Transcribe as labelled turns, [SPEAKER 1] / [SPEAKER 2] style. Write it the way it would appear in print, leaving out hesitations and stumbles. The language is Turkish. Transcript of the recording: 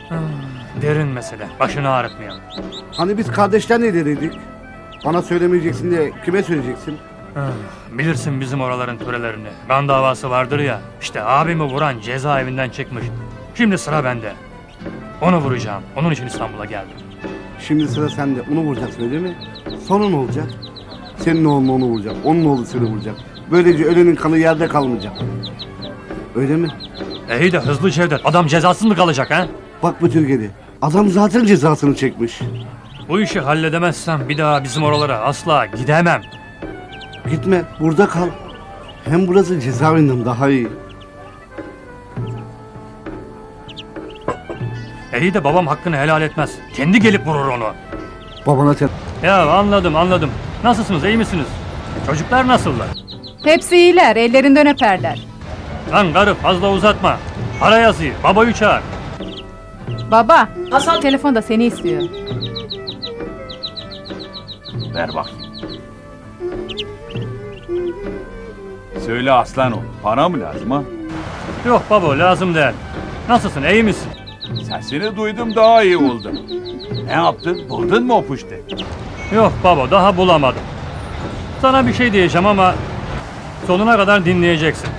[SPEAKER 1] Derin mesele. Başını ağrıtmayalım.
[SPEAKER 2] Hani biz kardeşler ne dedik? Bana söylemeyeceksin de kime söyleyeceksin?
[SPEAKER 1] Bilirsin bizim oraların törelerini. Kan davası vardır ya. İşte abimi vuran cezaevinden çıkmış. Şimdi sıra bende. Onu vuracağım. Onun için İstanbul'a geldim.
[SPEAKER 2] Şimdi sıra sende. Onu vuracaksın öyle mi? Sonra ne olacak? Senin oğlun onu vuracak. Onun oğlu seni vuracak. Böylece ölenin kanı yerde kalmayacak. Öyle mi?
[SPEAKER 1] İyi de hızlı Cevdet. Adam cezasız mı kalacak ha?
[SPEAKER 2] Bak bu Türkiye'de. Adam zaten cezasını çekmiş.
[SPEAKER 1] Bu işi halledemezsem bir daha bizim oralara asla gidemem.
[SPEAKER 2] Gitme. Burada kal. Hem burası cezaevinden daha iyi.
[SPEAKER 1] İyi de babam hakkını helal etmez. Kendi gelip vurur onu.
[SPEAKER 2] Babana sen...
[SPEAKER 1] Ya anladım. Nasılsınız, iyi misiniz? Çocuklar nasıllar?
[SPEAKER 3] Hepsi iyiler, ellerinden öperler.
[SPEAKER 1] Lan karı fazla uzatma. Para yazıyı, babayı çağır.
[SPEAKER 3] Baba, Hasan telefonda seni istiyor.
[SPEAKER 4] Ver bakayım. Söyle aslan ol. Para mı lazım ha?
[SPEAKER 1] Yok baba, lazım değil. Nasılsın, iyi misin?
[SPEAKER 4] Sesini duydum daha iyi oldum. Ne yaptın? Buldun mu o puştu?
[SPEAKER 1] Yok baba, daha bulamadım. Sana bir şey diyeceğim ama sonuna kadar dinleyeceksin.